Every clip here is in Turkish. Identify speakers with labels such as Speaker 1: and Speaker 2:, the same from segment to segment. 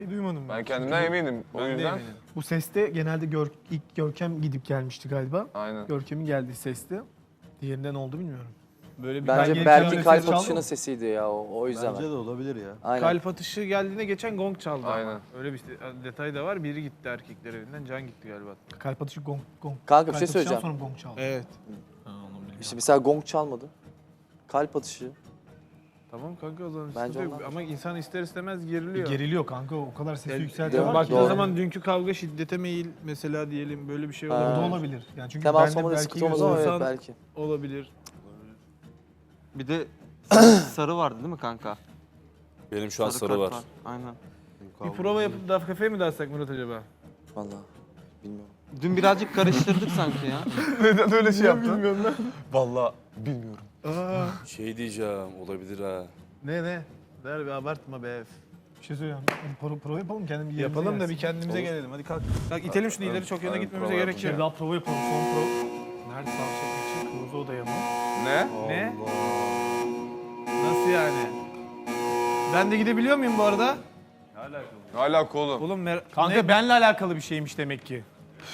Speaker 1: Duymadım ben.
Speaker 2: Ben kendimden eminim. O
Speaker 1: Ben de
Speaker 2: yüzden.
Speaker 1: eminim. Bu seste genelde ilk Görkem gidip gelmişti galiba.
Speaker 2: Aynen.
Speaker 1: Görkem'in geldiği seste. Diğerinden oldu bilmiyorum. Böyle bir
Speaker 3: Bence
Speaker 1: ben
Speaker 3: Berk'in
Speaker 1: gelirken
Speaker 3: kalp
Speaker 1: ses çaldı
Speaker 3: atışının
Speaker 1: mı?
Speaker 3: sesiydi ya o yüzden.
Speaker 4: Bence de olabilir ya.
Speaker 3: Aynen.
Speaker 1: Kalp atışı geldiğinde geçen gong çaldı
Speaker 2: Aynen.
Speaker 1: ama. Öyle bir detay da var. Biri gitti erkekler evinden, Can gitti galiba. Kalp atışı gong.
Speaker 3: Kanka bir şey söyleyeceğim.
Speaker 1: Sonra gong çaldı. Evet.
Speaker 3: İşte mesela gong çalmadı. Kalp atışı.
Speaker 1: Tamam kanka o zaman
Speaker 3: Bence
Speaker 1: sıkıntı yok.
Speaker 3: ondan.
Speaker 1: Ama insan ister istemez geriliyor.
Speaker 5: Geriliyor kanka, o kadar sesi
Speaker 1: Yani
Speaker 5: yükseltiyor var ki.
Speaker 1: baktığın
Speaker 3: Doğru.
Speaker 1: zaman dünkü kavga şiddete meyil mesela diyelim böyle bir şey
Speaker 3: Ha.
Speaker 5: O da
Speaker 1: olabilir.
Speaker 5: olabilir. Yani çünkü
Speaker 3: Temas
Speaker 5: ben de
Speaker 3: olmadı
Speaker 5: belki
Speaker 3: sıkıntı olmaz ama evet
Speaker 1: olsan-
Speaker 3: belki.
Speaker 1: Olabilir.
Speaker 6: Bir de sarı vardı değil mi kanka?
Speaker 7: Benim şu an sarı
Speaker 6: kart
Speaker 7: var.
Speaker 6: Aynen.
Speaker 1: Bir prova yapıp da kafeye mi dalsak Murat acaba?
Speaker 3: Vallahi bilmiyorum.
Speaker 6: Dün birazcık karıştırdık sanki ya.
Speaker 2: Neden öyle şey yaptın? Bilmiyorum lan. Vallahi bilmiyorum.
Speaker 7: Şey diyeceğim, olabilir ha.
Speaker 1: Ne? Ver bir abartma be.
Speaker 5: bir şey söyleyeyim. Prova yapalım, kendim bir yerimize
Speaker 1: Yapalım da bir
Speaker 5: gelsin.
Speaker 1: kendimize gelelim. Hadi kalk. Kalk itelim şunu ileri çok yana
Speaker 2: Aynen,
Speaker 1: gitmemize
Speaker 2: prova
Speaker 1: gerek
Speaker 5: Bir kere
Speaker 1: yok.
Speaker 5: daha prova yapalım, son prova. Nerede sağ çekmek için? Kırmızı odaya mı?
Speaker 2: Ne?
Speaker 1: Ne? Nasıl yani? Ben de gidebiliyor muyum bu arada?
Speaker 2: Ne alaka oğlum?
Speaker 1: Oğlum
Speaker 5: Kanka
Speaker 1: ne?
Speaker 5: benle alakalı bir şeymiş demek ki.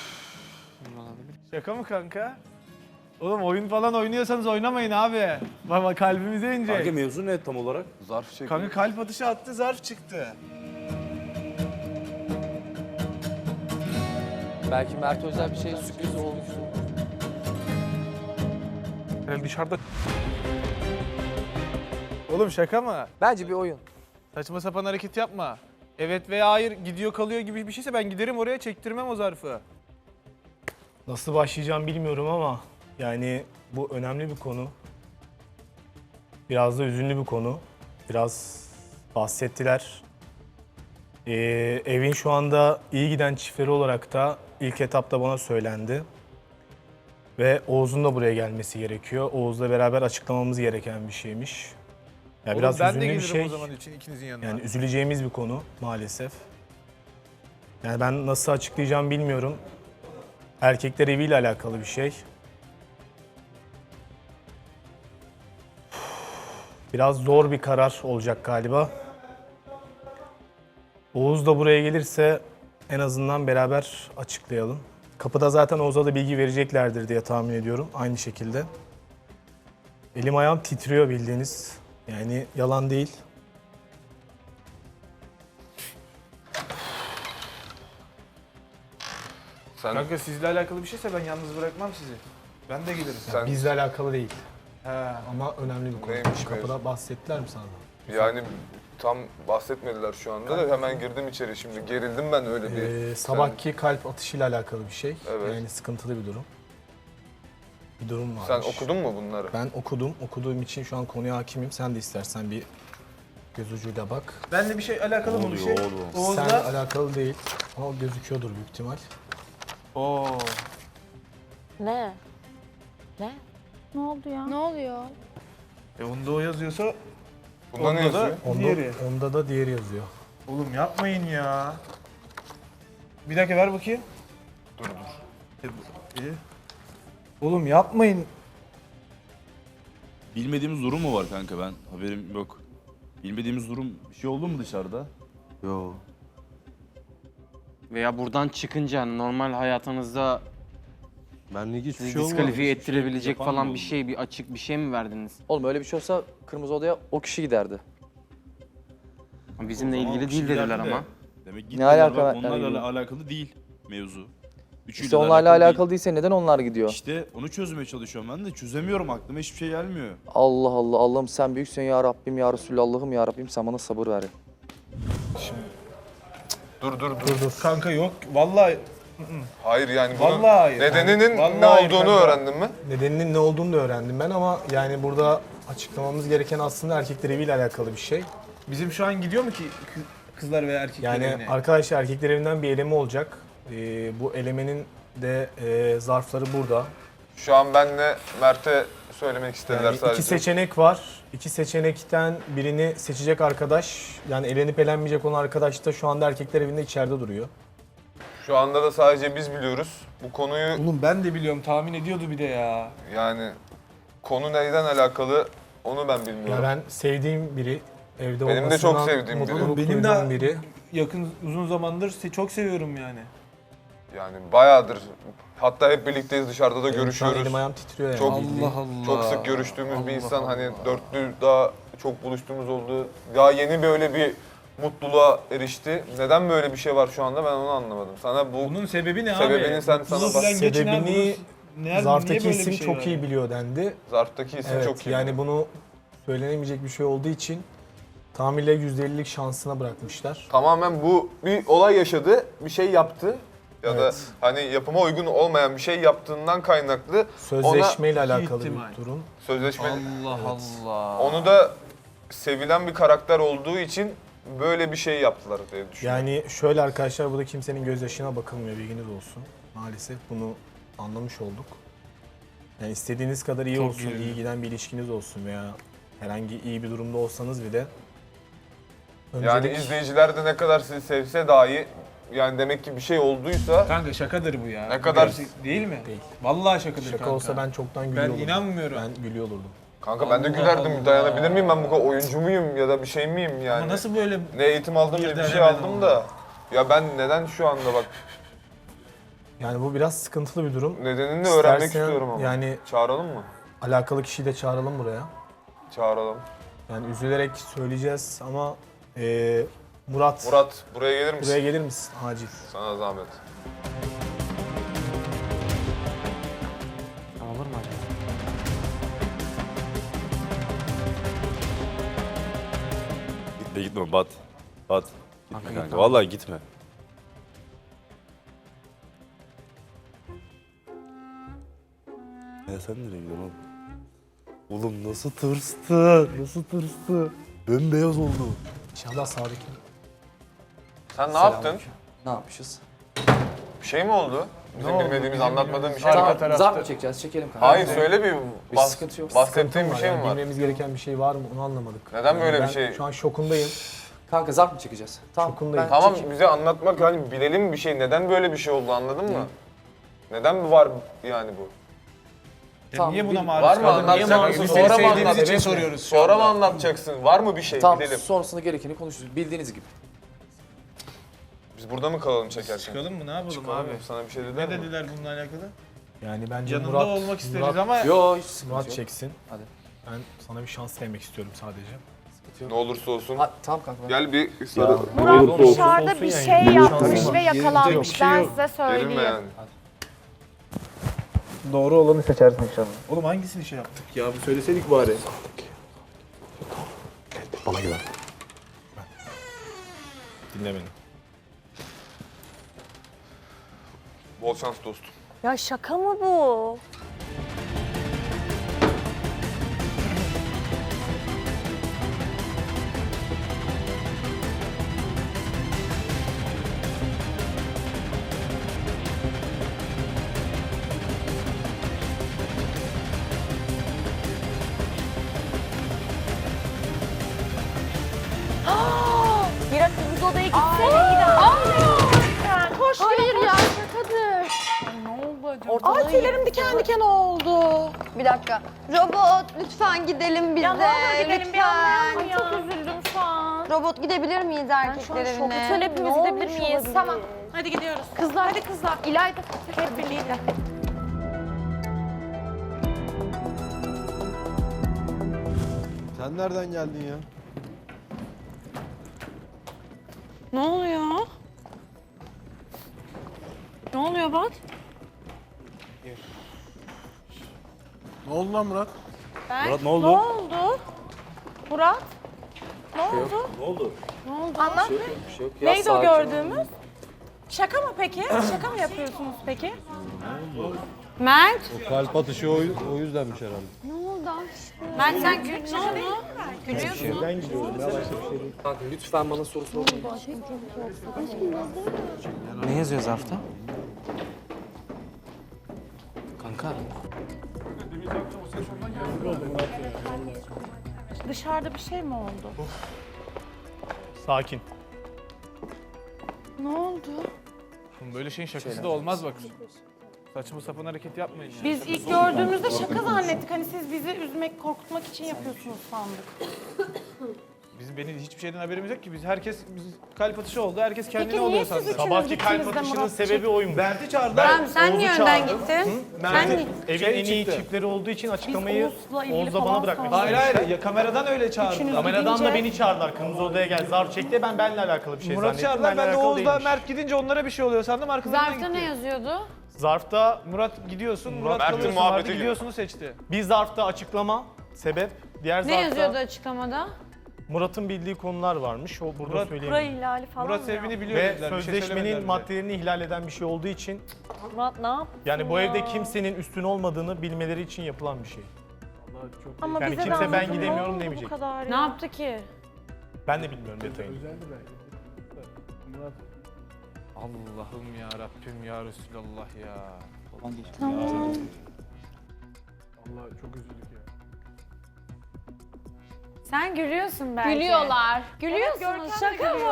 Speaker 1: Şaka mı kanka? Oğlum oyun falan oynuyorsanız oynamayın abi. Baba kalbimize inecek.
Speaker 7: Kanka mevzu ne tam olarak?
Speaker 2: Zarf çek.
Speaker 1: Kanka kalp atışı attı, zarf çıktı.
Speaker 3: Belki Mert özel bir şey sürpriz olmuştu.
Speaker 1: Yani dışarıda... Oğlum şaka mı?
Speaker 3: Bence bir oyun.
Speaker 1: Saçma sapan hareket yapma. Evet veya hayır gidiyor kalıyor gibi bir şeyse ben giderim oraya çektirmem o zarfı.
Speaker 5: Nasıl başlayacağım bilmiyorum ama yani bu önemli bir konu. Biraz da üzünlü bir konu. Biraz bahsettiler. Evin şu anda iyi giden çiftleri olarak da ilk etapta bana söylendi. Ve Oğuz'un da buraya gelmesi gerekiyor. Oğuz'la beraber açıklamamız gereken bir şeymiş. Ya
Speaker 1: Oğlum
Speaker 5: biraz
Speaker 1: ben de
Speaker 5: üzünlü bir
Speaker 1: gelirim
Speaker 5: şey.
Speaker 1: o zaman için ikinizin yanına.
Speaker 5: Yani üzüleceğimiz bir konu maalesef. Yani ben nasıl açıklayacağım bilmiyorum. Erkekler eviyle alakalı bir şey. Biraz zor bir karar olacak galiba. Oğuz da buraya gelirse en azından beraber açıklayalım. Kapıda zaten Oğuz'a da bilgi vereceklerdir diye tahmin ediyorum aynı şekilde. Elim ayağım titriyor bildiğiniz. Yani yalan değil.
Speaker 2: Sen,
Speaker 1: Kanka sizle alakalı bir şeyse ben yalnız bırakmam sizi. Ben de gelirim.
Speaker 2: sen
Speaker 5: Bizle alakalı değil.
Speaker 1: He.
Speaker 5: Ama önemli bir konu.
Speaker 2: Neymiş
Speaker 5: Kapıda bahsettiler mi sana?
Speaker 2: yani tam bahsetmediler şu anda da hemen girdim içeri şimdi. Gerildim ben öyle bir.
Speaker 5: Sabahki kalp atışıyla alakalı bir şey.
Speaker 2: Evet.
Speaker 5: Yani sıkıntılı bir durum. Bir durum
Speaker 2: Sen
Speaker 5: varmış.
Speaker 2: okudun mu bunları?
Speaker 5: Ben okudum. Okuduğum için şu an konuya hakimim. Sen de istersen bir göz ucuyla bak.
Speaker 1: Benle bir şey alakalı mı bir şey?
Speaker 7: oğlum?
Speaker 5: Sen
Speaker 1: Oğuz'la...
Speaker 5: alakalı değil. Ama gözüküyordur büyük ihtimal.
Speaker 1: Oo.
Speaker 8: Ne? Ne?
Speaker 9: Ne oldu ya? Ne oluyor?
Speaker 1: Onda o yazıyorsa
Speaker 2: Bunda ne
Speaker 1: onda da
Speaker 2: yazıyor?
Speaker 5: Onda,
Speaker 1: diğeri.
Speaker 5: onda da diğeri yazıyor.
Speaker 1: Oğlum yapmayın ya. Bir dakika ver bakayım.
Speaker 2: Dur.
Speaker 1: İyi. Oğlum yapmayın.
Speaker 7: Bilmediğimiz durum mu var kanka, ben haberim yok. Bilmediğimiz durum bir şey oldu mu dışarıda?
Speaker 4: Yo.
Speaker 6: Veya buradan çıkınca hani normal hayatınızda
Speaker 4: Benlik hiçbir
Speaker 6: sizi
Speaker 4: şey olmadı.
Speaker 6: diskalifiye ettirebilecek
Speaker 7: yapan
Speaker 6: falan
Speaker 7: mı
Speaker 6: bir
Speaker 7: oldu?
Speaker 6: şey, bir açık bir şey mi verdiniz?
Speaker 3: Oğlum öyle bir şey olsa kırmızı odaya o kişi giderdi.
Speaker 6: Bizimle
Speaker 7: O zaman
Speaker 6: ilgili
Speaker 7: o
Speaker 6: değil
Speaker 7: kişiler
Speaker 6: dediler
Speaker 7: de
Speaker 6: ama.
Speaker 7: Demek
Speaker 3: Ne
Speaker 7: gitmediler,
Speaker 3: alaka
Speaker 7: bak,
Speaker 3: var-
Speaker 7: onlarla
Speaker 3: yani-
Speaker 7: alakalı değil mevzu. Üçüyle
Speaker 3: İşte
Speaker 7: de
Speaker 3: onlarla alakalı
Speaker 7: değil.
Speaker 3: değilse neden onlar gidiyor?
Speaker 7: İşte onu çözmeye çalışıyorum ben de, çözemiyorum, aklıma hiçbir şey gelmiyor.
Speaker 3: Allah Allah, Allah'ım sen büyüksün ya Rabbim ya Resulallah'ım ya Rabbim sen bana sabır ver.
Speaker 2: Dur.
Speaker 1: Kanka yok. Vallahi
Speaker 2: Hayır yani bunun
Speaker 1: Vallahi hayır.
Speaker 2: nedeninin
Speaker 1: Vallahi
Speaker 2: ne
Speaker 1: hayır
Speaker 2: olduğunu
Speaker 1: kanka.
Speaker 2: öğrendin mi?
Speaker 5: Nedeninin ne olduğunu da öğrendim ben ama yani burada açıklamamız gereken aslında erkekler eviyle alakalı bir şey.
Speaker 1: bizim şu an gidiyor mu ki kızlar veya erkekler
Speaker 5: Yani
Speaker 1: evine?
Speaker 5: arkadaşlar erkekler evinden bir eleme olacak. Bu elemenin de zarfları burada.
Speaker 2: Şu an benle Mert'e söylemek istediler
Speaker 5: Yani
Speaker 2: sadece.
Speaker 5: iki seçenek var. İki seçenekten birini seçecek arkadaş, yani elenip elenmeyecek olan arkadaş da şu anda erkekler evinde içeride duruyor.
Speaker 2: Şu anda da sadece biz biliyoruz. Bu konuyu
Speaker 1: Oğlum ben de biliyorum tahmin ediyordu bir de ya.
Speaker 2: yani konu neyden alakalı onu ben bilmiyorum.
Speaker 5: Ya ben sevdiğim biri, evde
Speaker 2: Benim de
Speaker 5: olmasından
Speaker 2: çok sevdiğim biri.
Speaker 5: mutluluk
Speaker 1: Benim de-
Speaker 5: duyduğum biri.
Speaker 1: yakın uzun zamandır çok seviyorum yani.
Speaker 2: Yani bayağıdır. Hatta hep birlikteyiz, dışarıda da
Speaker 5: Benim şu an
Speaker 2: görüşüyoruz.
Speaker 5: elim ayağım titriyor yani.
Speaker 2: Çok
Speaker 5: bildiğin.
Speaker 2: Çok sık görüştüğümüz bir insan, hani dörtlü daha çok buluştuğumuz oldu. Daha yeni böyle bir mutluluğa erişti. Neden böyle bir şey var şu anda ben onu anlamadım. Sana bu
Speaker 1: Bunun sebebi ne abi?
Speaker 2: Sebebini sen
Speaker 1: Mutluluğu
Speaker 2: sana bak.
Speaker 1: falan geçin abi,
Speaker 5: Sebebini
Speaker 1: bunun- niye
Speaker 5: zarftaki
Speaker 1: böyle bir
Speaker 5: isim
Speaker 1: şey
Speaker 5: çok
Speaker 1: var
Speaker 5: iyi
Speaker 1: ya?
Speaker 5: biliyor dendi.
Speaker 2: zarftaki isim
Speaker 5: Evet,
Speaker 2: çok iyi.
Speaker 5: yani bunu söylenemeyecek bir şey olduğu için tamamıyla %50'lik şansına bırakmışlar.
Speaker 2: Tamamen bu bir olay yaşadı, bir şey yaptı. Ya da
Speaker 5: Evet.
Speaker 2: hani yapıma uygun olmayan bir şey yaptığından kaynaklı
Speaker 5: Sözleşmeyle alakalı
Speaker 1: ihtimal.
Speaker 5: bir durum.
Speaker 2: sözleşme.
Speaker 6: Allah Allah.
Speaker 2: Onu da sevilen bir karakter olduğu için böyle bir şey yaptılar diye düşünüyorum.
Speaker 5: Yani şöyle arkadaşlar, burada kimsenin gözyaşına bakılmıyor, bilginiz olsun. Maalesef bunu anlamış olduk. Yani istediğiniz kadar iyi
Speaker 1: Çok
Speaker 5: olsun,
Speaker 1: iyi.
Speaker 5: iyi giden bir ilişkiniz olsun veya herhangi iyi bir durumda olsanız bile
Speaker 2: Yani izleyiciler de ne kadar sizi sevse dahi, yani demek ki bir şey olduysa
Speaker 1: Kanka şakadır bu ya.
Speaker 2: Ne kadar-
Speaker 1: Gerçek değil mi?
Speaker 5: Değil.
Speaker 1: Vallahi şakadır
Speaker 5: şaka
Speaker 1: kanka.
Speaker 5: olsa ben çoktan gülüyor
Speaker 1: Ben
Speaker 5: olurdum.
Speaker 1: inanmıyorum.
Speaker 5: Ben gülüyor olurdum.
Speaker 2: kanka ben de
Speaker 1: Allah
Speaker 2: gülerdim.
Speaker 1: Allah.
Speaker 2: Dayanabilir miyim ben bu kadar oyuncu muyum ya da bir şey miyim yani?
Speaker 1: Ama nasıl böyle
Speaker 2: Ne eğitim aldım ne bir
Speaker 1: Birden
Speaker 2: şey
Speaker 1: hemen
Speaker 2: aldım
Speaker 1: oldu.
Speaker 2: da. Ya ben neden şu anda bak
Speaker 5: Yani bu biraz sıkıntılı bir durum.
Speaker 2: nedenini öğrenmek
Speaker 5: İstersen
Speaker 2: istiyorum ama.
Speaker 5: yani
Speaker 2: Çağıralım mı?
Speaker 5: alakalı kişiyi de çağıralım buraya.
Speaker 2: Çağıralım.
Speaker 5: Yani üzülerek söyleyeceğiz ama Murat,
Speaker 2: Murat buraya gelir misin?
Speaker 5: buraya gelir misin acil?
Speaker 2: Sana zahmet.
Speaker 6: Olur mu acaba?
Speaker 7: Gitme gitme Bat. Bat. Gitme
Speaker 6: Kanka,
Speaker 7: kanka.
Speaker 6: gitme.
Speaker 7: Vallahi gitme. Ya sen nereye gidiyorsun oğlum? Oğlum nasıl tırstı? Nasıl tırstı? Bembeyaz oldu.
Speaker 5: İnşallah sağdaki.
Speaker 2: Sen ne yaptın?
Speaker 3: Ne yapmışız?
Speaker 2: Bir şey mi oldu? Bizim
Speaker 1: oldu?
Speaker 2: bilmediğimiz,
Speaker 1: Bizim
Speaker 2: anlatmadığın bir şey
Speaker 1: bilmediğimiz-
Speaker 2: mi?
Speaker 1: Arka tarafta.
Speaker 3: Zarf mı çekeceğiz? Çekelim kanka.
Speaker 2: Hayır söyle bir,
Speaker 3: Bir sıkıntı yok.
Speaker 2: bahsettiğin bir şey mi var?
Speaker 5: Bilmemiz gereken bir şey var mı onu anlamadık.
Speaker 2: Neden böyle
Speaker 5: ben
Speaker 2: bir şey?
Speaker 5: Şu an şokundayım.
Speaker 3: Kanka zarf mı çekeceğiz? Tamam.
Speaker 5: Şokundayım.
Speaker 2: Tamam bize anlatmak, hani bilelim bir şey. Neden böyle bir şey oldu, anladın mı? Neden var yani bu?
Speaker 1: Ya
Speaker 3: Tamam,
Speaker 1: niye buna
Speaker 3: bil-
Speaker 1: maruz
Speaker 2: Var mı,
Speaker 1: kaldın? Niye
Speaker 2: anlatacak
Speaker 1: maruz
Speaker 2: mısın?
Speaker 1: kaldın?
Speaker 2: Sonra mı
Speaker 1: Seni sevdiğimiz için
Speaker 2: anlatacaksın?
Speaker 1: soruyoruz şu
Speaker 2: Sonra mı
Speaker 1: anda.
Speaker 2: anlatacaksın? Var mı bir şey?
Speaker 3: Tamam,
Speaker 2: Bilelim.
Speaker 3: sonrasında gerekeni konuşuruz. Bildiğiniz gibi.
Speaker 2: Biz burada mı kalalım çekerken?
Speaker 1: Çıkalım mı? Ne yapalım
Speaker 2: Çıkalım
Speaker 1: abi?
Speaker 2: mı? Sana bir şey dediler
Speaker 1: Ne
Speaker 2: mi?
Speaker 1: dediler bununla alakalı?
Speaker 5: Yani bence
Speaker 1: Yanında
Speaker 5: Murat,
Speaker 1: olmak isteriz
Speaker 5: Murat,
Speaker 1: ama
Speaker 3: Yo hiç sıkıntı
Speaker 5: Murat
Speaker 3: yok.
Speaker 5: çeksin.
Speaker 3: Hadi.
Speaker 5: Ben sana bir şans vermek istiyorum sadece.
Speaker 2: Ne olursa olsun.
Speaker 3: Ha, tamam kanka.
Speaker 2: Gel bir sarı.
Speaker 9: Murat dışarıda
Speaker 5: Olsun
Speaker 9: bir
Speaker 5: yani.
Speaker 9: şey
Speaker 5: Bir
Speaker 9: yapmış
Speaker 5: şansı
Speaker 9: ve yakalanmış.
Speaker 5: şey
Speaker 9: Ben
Speaker 5: yok.
Speaker 9: size
Speaker 2: Gerilme
Speaker 9: söyleyeyim.
Speaker 2: yani.
Speaker 5: Doğru olanı seçersin inşallah.
Speaker 1: oğlum hangisini şey yaptık?
Speaker 5: Ya bu söyleseydik bari. Bana güven. Dinle beni.
Speaker 2: Bol şans dostum.
Speaker 8: Ya şaka mı bu? Bir dakika biz odaya gitsene.
Speaker 9: Koş hayır ya şakadır.
Speaker 8: Ne oldu acaba?
Speaker 9: Ay tüylerim diken diken oldu.
Speaker 10: Bir dakika. Robot lütfen gidelim biz
Speaker 9: Ya
Speaker 10: de.
Speaker 9: ne olur gidelim bir
Speaker 10: lütfen.
Speaker 9: anlayalım ya. Çok üzüldüm şu an.
Speaker 10: Robot gidebilir miyiz
Speaker 8: Ben şu an
Speaker 10: erkekler
Speaker 8: şok.
Speaker 10: evine?
Speaker 8: Lütfen hepimiz
Speaker 9: Ne
Speaker 8: gidebilir
Speaker 9: olmuş
Speaker 8: miyiz?
Speaker 9: olabilir? Tamam. Hadi gidiyoruz. Kızlar hadi kızlar. İlayda hep birlikte.
Speaker 4: Sen nereden geldin ya?
Speaker 9: Ne oluyor? Ne oluyor Bat?
Speaker 4: Ne oldu lan Murat?
Speaker 7: Murat ne oldu?
Speaker 9: Ne oldu? Murat? Ne oldu?
Speaker 7: Ne oldu?
Speaker 9: Ne oldu? Anlat.
Speaker 3: Bir şey yok. Ya,
Speaker 9: Neydi o
Speaker 3: sakin ol.
Speaker 9: gördüğümüz? Şaka mı peki? Şaka mı yapıyorsunuz peki? Mert?
Speaker 4: O kalp atışı o yüzdenmiş herhalde.
Speaker 10: Ne oldu aşkım?
Speaker 9: Mert sen gülüyorsun. Gülüyorsun.
Speaker 5: Ben gidiyorum ya, başka bir şey değil.
Speaker 3: Kanka lütfen bana soru sormayın.
Speaker 6: Ne yazıyor zarfta? Kanka.
Speaker 9: Dışarıda bir şey mi oldu?
Speaker 5: Sakin.
Speaker 9: Ne oldu?
Speaker 1: Oğlum böyle şeyin şakası da olmaz bak. Saçma sapan hareket yapmayın ya.
Speaker 9: Biz ilk gördüğümüzde şaka zannettik. Hani siz bizi üzmek, korkutmak için yapıyorsunuz sandık.
Speaker 1: Benim hiçbir şeyden haberimiz yok ki. Biz kalp atışı oldu. Herkes kendini
Speaker 9: Peki niye
Speaker 1: alıyor
Speaker 9: siz
Speaker 1: sandı.
Speaker 9: üçünüz
Speaker 5: Sabahki kalp
Speaker 9: gittiniz de
Speaker 5: atışının
Speaker 9: Murat
Speaker 5: sebebi oymuş.
Speaker 1: Mert'i çağırdılar.
Speaker 9: Tamam sen niye
Speaker 5: Oğuz'u
Speaker 9: önden
Speaker 5: çağırdım.
Speaker 9: gittin?
Speaker 1: Mert'i-
Speaker 9: Sen
Speaker 5: Evin
Speaker 1: Şey
Speaker 5: en iyi
Speaker 1: çıktı.
Speaker 5: çiftleri olduğu için açıklamayı
Speaker 9: Oğuz'la ilgili
Speaker 5: Oğuz'la
Speaker 9: falan
Speaker 5: bana bırakmak
Speaker 9: sorduk.
Speaker 1: Hayır hayır ya, kameradan öyle çağırdılar.
Speaker 9: Üçünüz
Speaker 5: Kameradan da
Speaker 9: gidince-
Speaker 5: beni çağırdılar. Kırmızı odaya gel. Zarf çekti. Ben benimle alakalı bir şey
Speaker 1: Murat
Speaker 5: zannettim.
Speaker 1: çağırdılar. Ben de
Speaker 5: alakalı
Speaker 1: Oğuz'la
Speaker 5: değilmiş.
Speaker 1: Mert gidince onlara bir şey oluyor sandım. Arkalarından
Speaker 8: Zarfta ne
Speaker 1: gitti.
Speaker 8: yazıyordu?
Speaker 5: Zarfta
Speaker 1: Murat gidiyorsun, Murat
Speaker 2: Mert'in
Speaker 1: kalıyorsun.
Speaker 2: muhabbeti
Speaker 1: Hadi
Speaker 2: gibi.
Speaker 1: gidiyorsunuz seçti.
Speaker 5: bir zarfta açıklama, sebep. Diğer
Speaker 8: Ne
Speaker 5: zarfta
Speaker 8: yazıyordu açıklamada?
Speaker 5: Murat'ın bildiği konular varmış. O burada
Speaker 1: Murat-
Speaker 9: Kura
Speaker 5: söyleyeyim.
Speaker 9: ihlali falan
Speaker 1: Murat
Speaker 9: mı
Speaker 1: sebebini biliyor
Speaker 5: Ve
Speaker 1: dediler. Bir şey söylemediler
Speaker 5: sözleşmenin
Speaker 1: bize.
Speaker 5: maddelerini ihlal eden bir şey olduğu için
Speaker 9: ya? Murat ne yaptı?
Speaker 5: yani bu evde kimsenin üstün olmadığını bilmeleri için yapılan bir şey.
Speaker 9: Ama
Speaker 5: Yani
Speaker 9: bize de
Speaker 5: kimse ben
Speaker 9: anlatın, ne
Speaker 5: gidemiyorum
Speaker 9: oldu
Speaker 5: demeyecek.
Speaker 9: Bu kadar
Speaker 8: Ne
Speaker 9: ya?
Speaker 8: yaptı ki?
Speaker 5: Ben de bilmiyorum detayını.
Speaker 1: Allah'ım ya Rabbim ya Resulallah ya.
Speaker 8: Sen gülüyorsun belki.
Speaker 10: Gülüyorlar.
Speaker 8: Gülüyorsunuz. Şaka bu.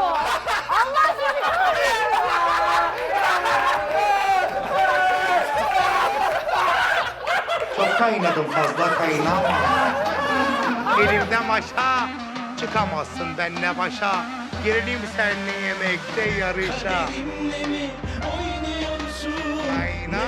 Speaker 11: Çok kaynadım fazla kaynama. Elimden aşağı çıkamazsın benle başa. Girelim seninle yemekte yarışa. Kayna.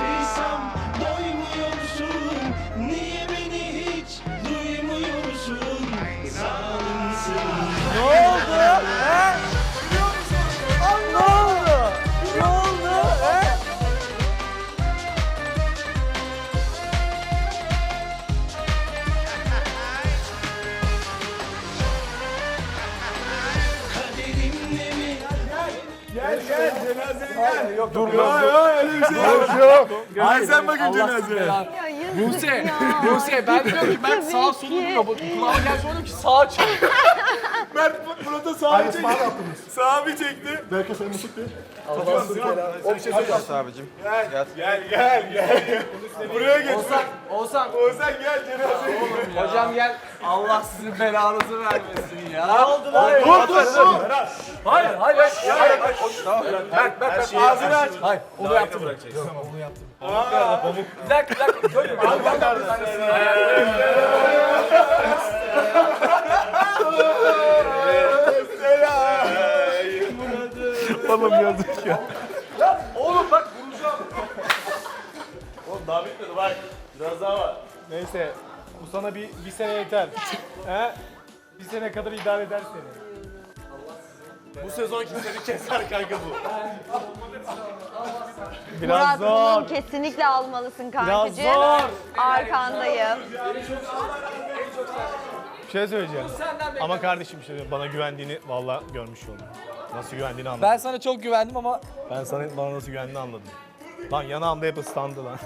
Speaker 1: Buse ben diyorum ki Mert sağa sola duruyor. Kulağıma gel sonra ki sağa çek.
Speaker 4: Murat'a sağa çekti. Sağa bir çekti. Belki sen mutluluk değil.
Speaker 6: abicim.
Speaker 4: Gel. Buraya geç.
Speaker 1: Oğuzhan.
Speaker 4: Oğuzhan gel cenazeye.
Speaker 1: Hocam gel. Allah sizin belanızı vermesin ya.
Speaker 4: Ne oldu lan? Dur.
Speaker 1: Hayır.
Speaker 4: Mert ağzını aç.
Speaker 1: Hayır onu yaptım. Bir dakika.
Speaker 5: Oğlum yazık ya.
Speaker 1: Oğlum bak vuracağım.
Speaker 5: Oğlum daha bitmedi bak. Biraz daha var. Neyse bu sana bir sene yeter. He? Bir sene kadar idare eder seni. Bu sezon kimseni keser kanka bu. Biraz
Speaker 10: Murat bunu
Speaker 5: zor.
Speaker 10: kesinlikle almalısın
Speaker 5: Biraz
Speaker 10: kankacığım.
Speaker 5: zor.
Speaker 10: Arkandayım.
Speaker 5: Bir şey söyleyeceğim. Ama kardeşim işte bana güvendiğini vallahi görmüş oldum. Nasıl güvendiğini anladım.
Speaker 1: Ben sana çok güvendim ama
Speaker 5: Ben sana bana nasıl güvendiğini anladım. Lan yanağımda hep ıslandı lan.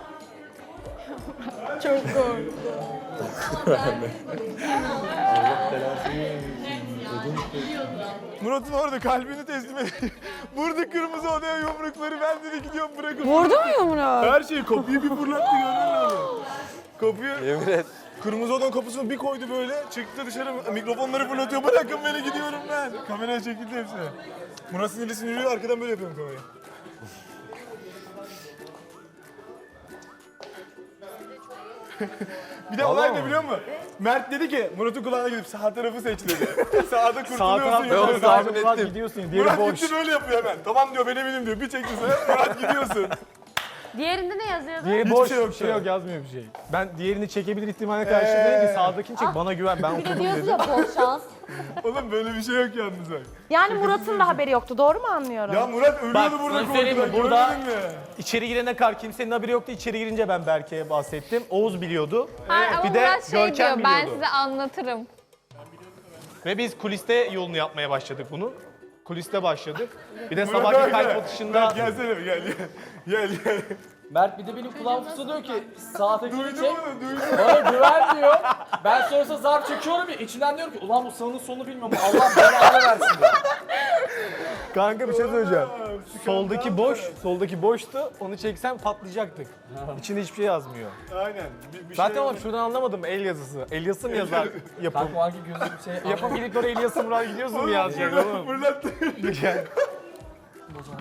Speaker 5: Murat'ın orada kalbini teslim ediyor. Burada kırmızı odaya yumrukları ben dedi gidiyorum bırakın.
Speaker 9: Vurdu mu yumruğu?
Speaker 5: Her şeyi kapıyı bir fırlattı görüyor musun? Kapıyı
Speaker 2: Yemin et.
Speaker 5: kırmızı odanın kapısını bir koydu böyle çıktı dışarı mikrofonları fırlatıyor bırakın beni gidiyorum ben. Kameraya çekildi hepsi. Murat sinirli arkadan böyle yapıyorum kamerayı. Bir de olay ne biliyor musun? Mert dedi ki Murat'ın kulağına gidip sağ tarafı seç dedi. Sağda kurtuluyorsun ya.
Speaker 2: onu tahmin ettim.
Speaker 5: Gidiyorsun diğeri
Speaker 4: Murat
Speaker 5: boş.
Speaker 4: gitti böyle yapıyor hemen. Tamam diyor ben eminim diyor. Bir çekti sana Murat gidiyorsun.
Speaker 8: Diğerinde ne yazıyordu?
Speaker 5: Diğeri
Speaker 4: Hiçbir
Speaker 5: boş
Speaker 4: şey yok
Speaker 5: bir şey
Speaker 4: şu an.
Speaker 5: yok yazmıyor bir şey. Ben diğerini çekebilir ihtimaline karşı dedim ki sağdakini çek bana güven ben
Speaker 8: Bir de
Speaker 5: okudum
Speaker 8: diyordu
Speaker 5: dedim.
Speaker 8: ya bol şans.
Speaker 4: Oğlum böyle bir şey yok yalnız bak.
Speaker 9: Yani Murat'ın da haberi yoktu. Doğru mu anlıyorum?
Speaker 4: Ya Murat ölüyordu
Speaker 5: Bak,
Speaker 4: burada
Speaker 5: sana söyleyeyim mi?
Speaker 4: korkudan.
Speaker 5: Burada-
Speaker 4: Görmedin mi?
Speaker 5: İçeri girene kadar kimsenin haberi yoktu. İçeri girince ben Berke'ye bahsettim. Oğuz biliyordu.
Speaker 10: Hayır, ama
Speaker 5: Bir de
Speaker 10: Murat şey
Speaker 5: Görkem
Speaker 10: diyor, ben
Speaker 5: biliyordu.
Speaker 10: size anlatırım.
Speaker 5: Ve biz kuliste yolunu yapmaya başladık bunu. Kuliste başladık. Bir de
Speaker 4: Murat
Speaker 5: sabahki
Speaker 4: gel.
Speaker 5: kalp atışında
Speaker 4: Murat gelsene gel.
Speaker 1: Mert bir de benim kulağım fısıldıyor ki sağ tekini
Speaker 4: Duydun
Speaker 1: çek.
Speaker 4: mu? Duydun.
Speaker 1: Bana güven diyor. Ben sonrasında zarf çekiyorum ya içimden diyorum ki ulan bu sağının solunu bilmiyorum. Allah belanı versin diyor.
Speaker 5: kanka bir şey söyleyeceğim. Soldaki boştu. Onu çeksem patlayacaktık. İçinde hiçbir şey yazmıyor.
Speaker 4: Aynen. Bir
Speaker 5: Zaten
Speaker 4: şey
Speaker 5: oğlum şuradan anlamadım el yazısı. El yazısı mı yazar yapım?
Speaker 1: Kanka o hangi gözlü bir şey.
Speaker 5: Yapım gidip oraya el yazısı Murat gidiyorsun mu yazacak oğlum?
Speaker 4: fırlattı.